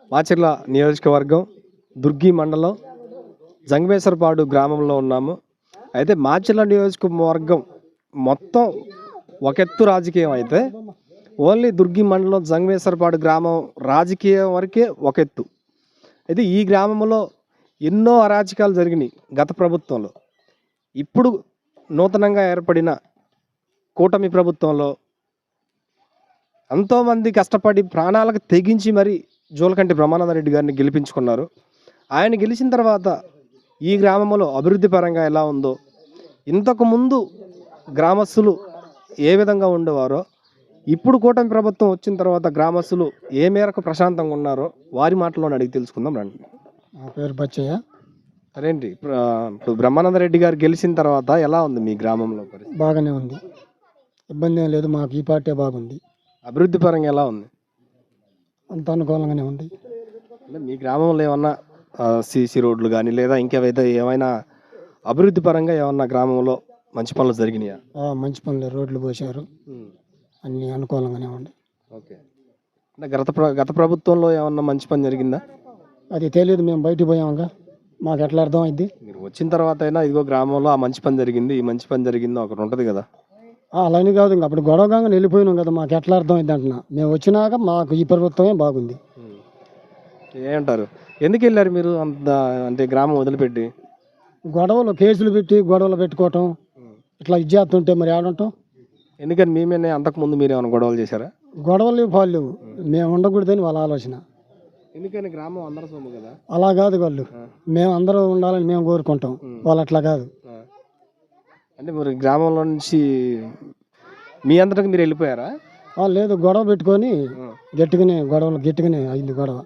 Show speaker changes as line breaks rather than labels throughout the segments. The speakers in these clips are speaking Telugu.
మాచర్ల నియోజకవర్గం దుర్గి మండలం జంగమేశ్వరపాడు గ్రామంలో ఉన్నాము. అయితే మాచర్ల నియోజకవర్గం మొత్తం ఒక ఎత్తు రాజకీయం అయితే ఓన్లీ దుర్గి మండలం జంగమేశ్వరపాడు గ్రామం రాజకీయం వరకే ఒక ఎత్తు. అయితే ఈ గ్రామంలో ఎన్నో అరాచకాలు జరిగినాయి గత ప్రభుత్వంలో. ఇప్పుడు నూతనంగా ఏర్పడిన కూటమి ప్రభుత్వంలో ఎంతోమంది కష్టపడి ప్రాణాలకు తెగించి మరి జూలకంటి బ్రహ్మానందరెడ్డి గారిని గెలిపించుకున్నారు. ఆయన గెలిచిన తర్వాత ఈ గ్రామంలో అభివృద్ధి పరంగా ఎలా ఉందో, ఇంతకుముందు గ్రామస్తులు ఏ విధంగా ఉండేవారో, ఇప్పుడు కూటమి ప్రభుత్వం వచ్చిన తర్వాత గ్రామస్తులు ఏ మేరకు ప్రశాంతంగా ఉన్నారో వారి మాటలోనే అడిగి తెలుసుకుందాం రండి.
నా పేరు బచ్చయ్య.
అదేంటి ఇప్పుడు బ్రహ్మానందరెడ్డి గారు గెలిచిన తర్వాత ఎలా ఉంది మీ గ్రామంలో పరిస్థితి?
బాగానే ఉంది, ఇబ్బంది ఏం లేదు. మాకు ఈ పార్టీ బాగుంది.
అభివృద్ధి పరంగా ఎలా ఉంది?
అంత అనుకూలంగానే ఉంది.
అంటే మీ గ్రామంలో ఏమన్నా సీసీ రోడ్లు కానీ లేదా ఇంకేవైతే ఏమైనా అభివృద్ధి పరంగా ఏమన్నా గ్రామంలో మంచి పనులు జరిగినాయా?
మంచి పనులు, రోడ్లు పోసారు, అన్నీ అనుకూలంగానే ఉంది.
ఓకే. అంటే గత ప్రభుత్వంలో ఏమన్నా మంచి పని జరిగిందా?
అది తెలియదు, మేము బయటికి పోయాముగా, మాకు ఎట్లా అర్థం అయింది?
మీరు వచ్చిన తర్వాత అయినా ఇదిగో గ్రామంలో ఆ మంచి పని జరిగింది, ఈ మంచి పని జరిగిందో ఒకటి ఉంటుంది కదా.
అలానే కాదు, ఇంకా అప్పుడు గొడవగా వెళ్ళిపోయినాం కదా, మాకు ఎట్లా అర్థం అయింది అంటున్నా. మేము వచ్చినాక మాకు ఈ ప్రభుత్వమే బాగుంది.
ఏమంటారు, ఎందుకు వెళ్ళారు మీరు అంత, అంటే గ్రామం వదిలిపెట్టి?
గొడవలు, కేసులు పెట్టి గొడవలు పెట్టుకోవటం, ఇట్లా ఇచ్చేస్తుంటే మరి ఆడంటాం.
ఎందుకని మేమేనే అంతకుముందు మీరు ఏమైనా గొడవలు చేశారా?
గొడవలు వాళ్ళు మేము ఉండకూడదని వాళ్ళ ఆలోచన.
ఎందుకని గ్రామం అందరూ సొమ్ము కదా.
అలా కాదు, వాళ్ళు మేము అందరూ ఉండాలని మేము కోరుకుంటాం, వాళ్ళు అట్లా కాదు.
అంటే మరి గ్రామంలో నుంచి మీ అందరికి మీరు వెళ్ళిపోయారా?
లేదు, గొడవ పెట్టుకొని గట్టిగానే అయింది గొడవ.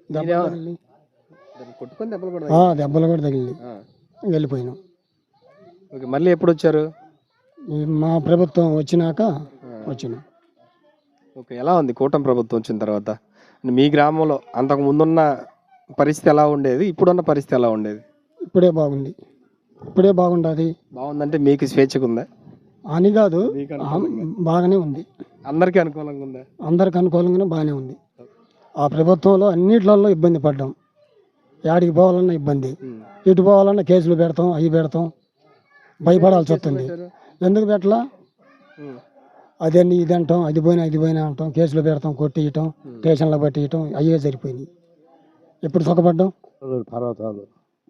దెబ్బలు కూడా తగిలింది, వెళ్ళిపోయినాం.
ఓకే. మళ్ళీ ఎప్పుడు వచ్చారు?
మా ప్రభుత్వం వచ్చినాక వచ్చినాం.
ఓకే. ఎలా ఉంది కూటమి ప్రభుత్వం వచ్చిన తర్వాత? మీ గ్రామంలో అంతకు ముందున్న పరిస్థితి ఎలా ఉండేది, ఇప్పుడున్న పరిస్థితి ఎలా ఉండేది?
ఇప్పుడే బాగుంది, ఇప్పుడే బాగుండదు.
బాగుందంటే మీకు స్వేచ్ఛగా ఉందా
అని కాదు, బాగానే ఉంది.
అందరికీ అనుకూలంగా ఉందా?
అందరికి అనుకూలంగానే బాగానే ఉంది. ఆ ప్రభుత్వంలో అన్నిట్లలో ఇబ్బంది పడ్డాం. యాడికి పోవాలన్నా ఇబ్బంది, ఇటు పోవాలన్నా కేసులు పెడతాం, అవి పెడతాం, భయపడాల్సి వస్తుంది. ఎందుకు పెట్టలా? అదని ఇది అంటాం, అది పోయినా అంటాం, కేసులు పెడతాం, కొట్టియటం, స్టేషన్లో పట్టియటం, అయ్యే సరిపోయినాయి. ఎప్పుడు సుఖపడ్డాం?
పర్వతాలు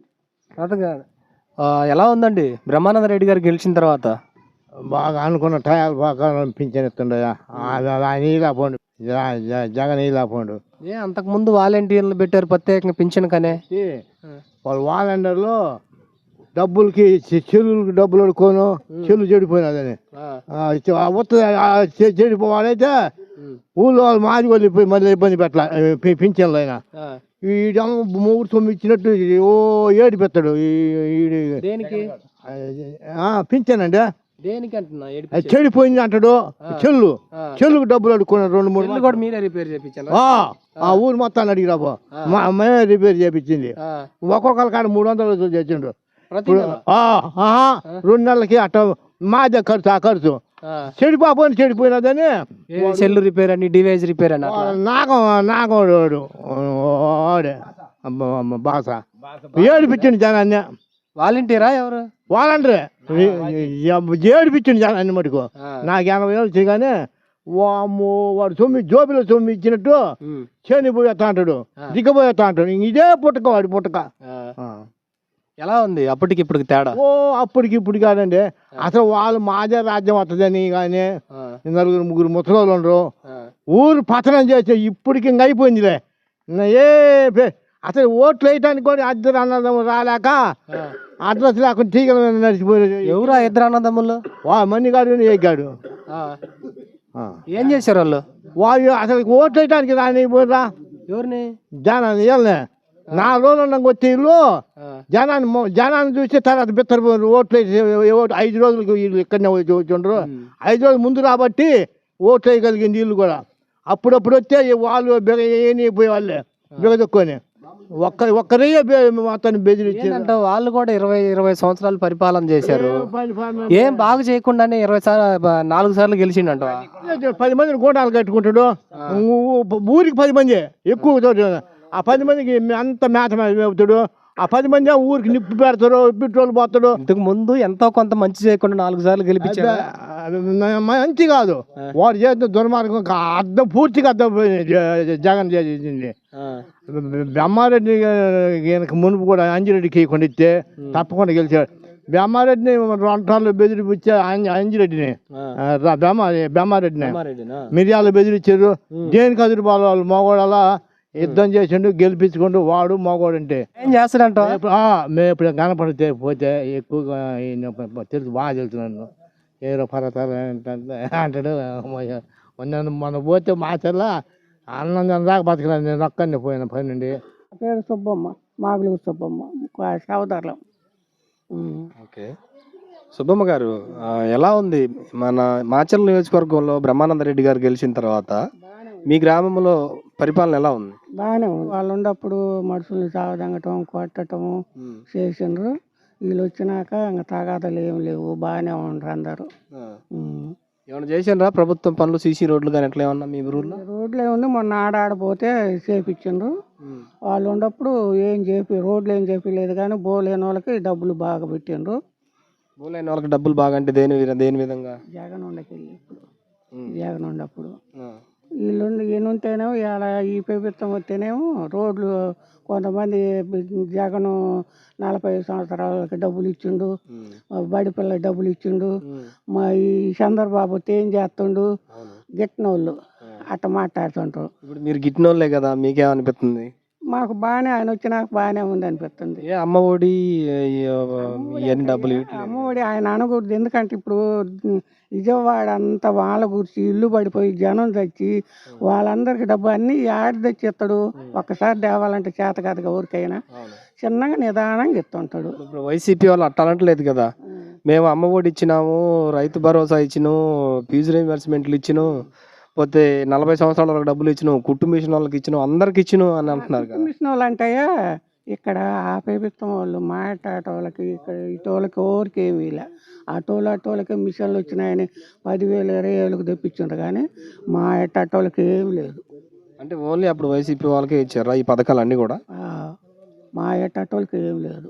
ఎలా ఉందండి బ్రహ్మానందరెడ్డి గారు గెలిచిన తర్వాత?
బాగా అనుకున్న టయాలు బాగా పింఛన్ ఇస్తుండయా, పోండు జగన్ పోండు.
అంతకు ముందు వాలంటీర్లు పెట్టారు ప్రత్యేకంగా పింఛన్ కనే.
వాళ్ళు వాలంటీర్లు డబ్బులకి చెల్లులకి డబ్బులు అడుకోను, చెల్లు చెడిపోయినదని చెడిపోవాలైతే ఊళ్ళో వాళ్ళు మాది వెళ్ళిపోయి మళ్ళీ ఇబ్బంది పెట్టాల పింఛన్లు. అయినా ఈ మూడు తొమ్మిది ఇచ్చినట్టు ఓ ఏడు పెడతాడు. పింఛన్ అంటే చెడిపోయింది అంటాడు. చెల్లుకు డబ్బులు అడుక్కున్నాడు 2-3. ఊరు మొత్తాన్ని అడిగిరాబో, మేమే రిపేర్ చేయించింది. ఒక్కొక్కరి కాడ 300 చేసిండు. 2 నెలలకి అట్ట మాదే ఖర్చు. ఆ ఖర్చు చెడిపోయినదని
సెల్ రిపేర్ అని, డివైస్ రిపేర్ అని
నాగోడు బాస ఏడిపించింది జనాన్ని.
వాలంటీరా ఎవరు?
వాలంటీరే ఏడిపించింది జనాన్ని మటుకు. నాకు 80 ఏళ్ళు చేయగానే వాడు జోబిలో ఇచ్చినట్టు చేనిపోయేస్తా అంటాడు, దిగబోయేస్తా అంటాడు. ఇదే పుట్టక వాడి పుట్టక.
ఎలా ఉంది అప్పటికి ఇప్పటికి తేడా?
అప్పటికి ఇప్పుడు కాదండి, అసలు వాళ్ళు మాదే రాజ్యం వస్తుందని కానీ 4-3 ముసలోళ్ళు ఉండరు. ఊరు పతనం చేస్తే ఇప్పటికి ఇంక అయిపోయిందిలే. అసలు ఓట్లు వేయటానికి కూడా ఇద్దరు అన్నదమ్ములు రాలేక అడ్రస్ లేకుండా తీగల మీద నడిచిపోయారు.
ఎవరు ఇద్దరు అన్నదమ్ములు?
మణిగాడు ఎగ్గాడు.
ఏం చేశారు వాళ్ళు?
వాళ్ళు అసలు ఓట్లు వేయటానికి రానిపోయిరా.
ఎవరిని?
జనాన్ని వీళ్ళని 4 రోజులు ఉండగా వచ్చే ఇల్లు జనాన్ని చూసి తర్వాత బిత్తరు ఓట్లు వేసి 5 రోజులకు వీళ్ళు ఇక్కడనే వచ్చిండ్రు. 5 రోజులు ముందు రాబట్టి ఓట్లు వేయగలిగింది వీళ్ళు కూడా. అప్పుడప్పుడు వస్తే వాళ్ళు ఏనిపోయే వాళ్ళే బిగదొక్కుని ఒక్కరే మొత్తాన్ని బెదిరించారు.
వాళ్ళు కూడా 20 సంవత్సరాలు పరిపాలన చేశారు. ఏం బాగా చేయకుండానే 4 సార్లు గెలిచిండంట.
10 మందిని గోడాలు కట్టుకుంటాడు. ఊరికి 10 మంది ఎక్కువ. ఆ 10 మందికి అంత మేత మేపుతాడు. ఆ 10 మంది ఊరికి నిప్పు పెడతారు, పెట్రోల్ పోతాడు.
ఇంతకు ముందు ఎంతో కొంత మంచి చేయకుండా 4 సార్లు గెలిపించారు.
మంచి కాదు వాడు చేసిన దుర్మార్గం అర్థం పూర్తిగా అర్థం జగన్ చేసింది. బ్రహ్మారెడ్డి ఈయనకు మునుపు కూడా అంజిరెడ్డికి ఇవ్వకుండా ఇస్తే తప్పకుండా గెలిచాడు. బ్రహ్మారెడ్డిని 2 సార్లు బెదిరిపించే అంజిరెడ్డిని బ్రహ్మారెడ్డిని మిరియాలు బెదిరించారు. దేనికి అదిరిపోవాలి వాళ్ళు మగవాళ్ళ యుద్ధం చేసిండు, గెలిపించుకుంటూ వాడు మగవాడు అంటే
ఏం చేస్తాడంట?
మేము ఇప్పుడు కనపడితే పోతే ఎక్కువగా తెలుసు, బాగా తెలుసు నన్ను. ఏరో పర్వతాలు అంటాడు. మొన్న పోతే మాచర్ల అన్నం దాకా బతకలేదు. నేను ఒక్కడిని పోయిన పని నుండి.
పేరు సుబ్బమ్మ, మాగులు సుబ్బమ్మ, సోదరులం.
ఓకే. సుబ్బమ్మ గారు, ఎలా ఉంది మన మాచర్ల నియోజకవర్గంలో బ్రహ్మానందరెడ్డి గారు గెలిచిన తర్వాత మీ గ్రామంలో పరిపాలన ఎలా ఉంది?
బాగానే ఉంది. వాళ్ళు ఉన్నప్పుడు మనుషుల్ని సావదంగటం, కొట్టడం చేసిండ్రు. వీళ్ళు వచ్చినాక ఇంకా తగాదాలు ఏం లేవు, బాగానే ఉండరు అందరూ.
ఏమైనా చేసిండ్రా ప్రభుత్వం పనులు, సీసీ రోడ్లు కానీ ఎట్లా ఏమన్నా మీ ఊర్లో?
రోడ్లు ఏముంది, మొన్న ఆడాడిపోతే చేపించిండ్రు. వాళ్ళు ఉన్నప్పుడు రోడ్లు ఏం చేపించలేదు, కానీ బోలేని వాళ్ళకి డబ్బులు బాగా పెట్టిండ్రు.
బోలేని వాళ్ళకి డబ్బులు బాగా అంటే దేని విధంగా?
జగన్ ఉండకెళ్ళి ఇప్పుడు జగన్ ఉండప్పుడు ఈయనుంటేనేమో ఇలా ఈ ప్రభుత్వం వస్తేనేమో రోడ్లు కొంతమంది జగన్ 40 సంవత్సరాలకి డబ్బులు ఇచ్చిండు, బడి పిల్లలకి డబ్బులు ఇచ్చిండు. మా ఈ చంద్రబాబు వస్తే ఏం చేస్తుండు, గిట్టినోళ్ళు అట్ట మాట్లాడుతుంటారు.
ఇప్పుడు మీరు గిట్టినోళ్ళే కదా, మీకేమనిపిస్తుంది?
మాకు బాగానే, ఆయన వచ్చినాక బాగానే ఉంది అనిపిస్తుంది.
అమ్మ ఒడి ఇవన్నీ డబ్బులు
అమ్మఒడి ఆయన అనకూడదు, ఎందుకంటే ఇప్పుడు విజయవాడ అంతా వాళ్ళ గురించి ఇల్లు పడిపోయి జనం తెచ్చి వాళ్ళందరికి డబ్బు అన్నీ ఆడి తెచ్చి ఇస్తాడు. ఒక్కసారి తేవాలంటే చేత కాదుగా ఊరికైనా, చిన్నగా నిదానంగా ఇస్తుంటాడు.
ఇప్పుడు వైసీపీ వాళ్ళు అట్టాలంటలేదు కదా, మేము అమ్మ ఒడి ఇచ్చినాము, రైతు భరోసా ఇచ్చినాము, ఫీజు రీయింబర్స్మెంట్లు ఇచ్చినాం, పోతే 40 సంవత్సరాల వాళ్ళకి డబ్బులు ఇచ్చినాం, కుట్టు మిషన్ వాళ్ళకి ఇచ్చినాం, అందరికి ఇచ్చినాం అని అంటున్నారు కదా.
మిషన్ వాళ్ళు అంటాయా, ఇక్కడ ఆ ప్రభుత్వం వాళ్ళు మాట్లాడేటోళ్ళకి ఇక్కడ ఇటోళ్ళకి ఎవరికి ఏమీ ఇలా, అటోళ్ళకి మిషన్లు వచ్చినాయని 10,000 20,000కి తెప్పించుంటారు, కానీ మా అటోళ్ళకి ఏమి లేదు.
అంటే ఓన్లీ అప్పుడు వైసీపీ వాళ్ళకే ఇచ్చారా ఈ పథకాలన్నీ కూడా?
మా అటోళ్ళకి ఏమి లేదు.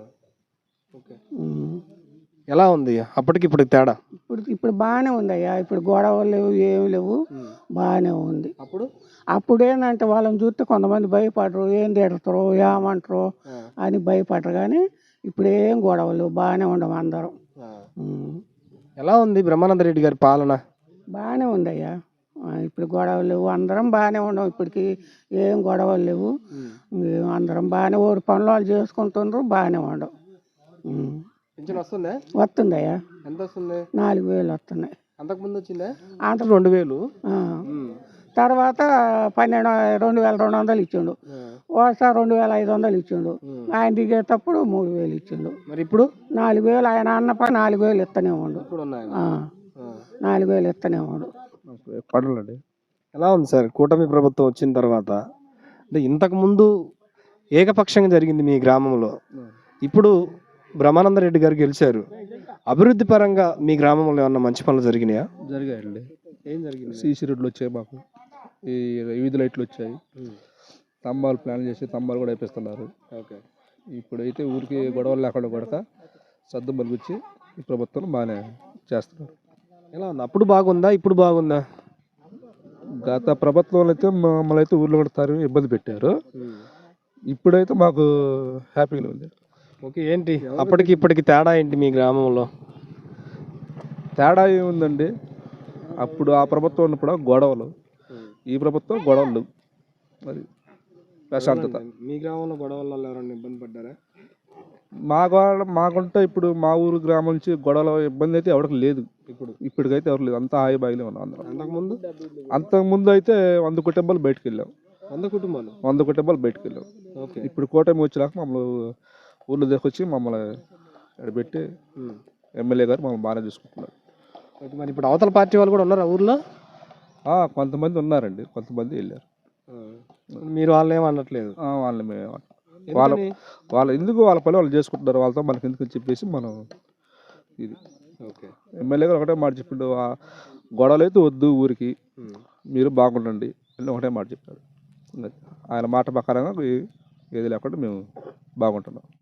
ఎలా ఉంది అప్పటికి ఇప్పటికి తేడా?
ఇప్పుడు బాగానే ఉందయ్యా, ఇప్పుడు గొడవలు లేవు, ఏమి లేవు, బాగానే ఉంది. అప్పుడు ఏంటంటే వాళ్ళని చూస్తే కొంతమంది భయపడరు, ఏం తిడతారు, ఏమంటారు అని భయపడరు, కానీ ఇప్పుడు ఏం గొడవలు, బాగానే ఉండము అందరం.
ఎలా ఉంది బ్రహ్మానందరెడ్డి గారి పాలన?
బాగానే ఉందయ్యా, ఇప్పుడు గొడవలు లేవు, అందరం బాగానే ఉన్నాం. ఇప్పటికి ఏం గొడవలు లేవు, అందరం బాగానే ఊరు పనులు వాళ్ళు చేసుకుంటుండ్రు, బాగానే ఉండవు. వస్తుందయ్యా,
ఎంత వస్తుంది?
4,000 వస్తున్నాయి.
అంతకుముందు వచ్చిందా? అంత 2,000.
తర్వాత 2,200 ఇచ్చిండు, ఒకసారి 2,500 ఇచ్చిండు. ఆయన దిగేటప్పుడు 3,000 ఇచ్చిండు.
మరి ఇప్పుడు
4,000 ఆయన అన్నప్పుడు 4,000 ఇస్తూనే ఉండు, 4,000 ఇస్తూనే ఉండు.
ఎలా ఉంది సార్ కూటమి ప్రభుత్వం వచ్చిన తర్వాత? అంటే ఇంతకు ముందు ఏకపక్షంగా జరిగింది మీ గ్రామంలో, ఇప్పుడు బ్రహ్మానందరెడ్డి గారు గెలిచారు. అభివృద్ధి పరంగా మీ గ్రామంలో ఏమన్నా మంచి పనులు జరిగినాయా?
జరిగాయండి.
ఏం జరిగింది?
సీసీ రోడ్లు వచ్చాయి, మాకు ఈ వీధి లైట్లు వచ్చాయి, స్తంభాలు ప్లాన్ చేసి స్తంభాలు కూడా వేపిస్తున్నారు.
ఓకే.
ఇప్పుడైతే ఊరికి గొడవలు లేకుండా కొడక సర్దు మలుగుచ్చి ఈ ప్రభుత్వం బాగానే చేస్తున్నారు.
ఎలా ఉంది? అప్పుడు బాగుందా, ఇప్పుడు బాగుందా?
గత ప్రభుత్వంలో అయితే మమ్మల్ని అయితే ఊర్లో కొడతారు, ఇబ్బంది పెట్టారు. ఇప్పుడైతే మాకు హ్యాపీగా ఉంది.
ఓకే. ఏంటి అప్పటికి ఇప్పటికి తేడా ఏంటి మీ గ్రామంలో?
తేడా ఏముందండి, అప్పుడు ఆ ప్రభుత్వం ఉన్నప్పుడు గొడవలు, ఈ ప్రభుత్వం గొడవలు, అది ప్రశాంతత.
మీ గ్రామంలో గొడవల వల్ల ఎవరైనా ఇబ్బంది పడ్డారా?
మాకుంటే ఇప్పుడు మా ఊరు గ్రామం నుంచి గొడవల ఇబ్బంది అయితే ఎవరికి లేదు. ఇప్పటికైతే ఎవరు లేదు, అంతా హాయి బాయిలే ఉన్నాం అందరం. అంతకుముందు అయితే 100 కుటుంబాలు బయటకు వెళ్ళాం. 100 కుటుంబాలు బయటకు వెళ్ళాం. ఇప్పుడు కూటమి వచ్చేలాక మమ్మల్ని ఊళ్ళో తీసుకొచ్చి మమ్మల్ని పెట్టి ఎమ్మెల్యే గారు మమ్మల్ని బాగానే చూసుకుంటున్నారు.
మరి ఇప్పుడు అవతల పార్టీ వాళ్ళు కూడా ఉన్నారా ఊర్లో?
కొంతమంది ఉన్నారండి, కొంతమంది వెళ్ళారు.
మీరు వాళ్ళని ఏమనట్లేదు?
వాళ్ళని వాళ్ళ ఎందుకు వాళ్ళ పని వాళ్ళు చేసుకుంటున్నారు, వాళ్ళతో మనకి ఎందుకు చెప్పేసి మనం ఇది.
ఓకే.
ఎమ్మెల్యే గారు ఒకటే మాట చెప్పిండు, గొడవలు అయితే వద్దు ఊరికి, మీరు బాగుండండి అని ఒకటే మాట చెప్పారు. ఆయన మాట ప్రకారంగా ఏది లేకుండా మేము బాగుంటున్నాం.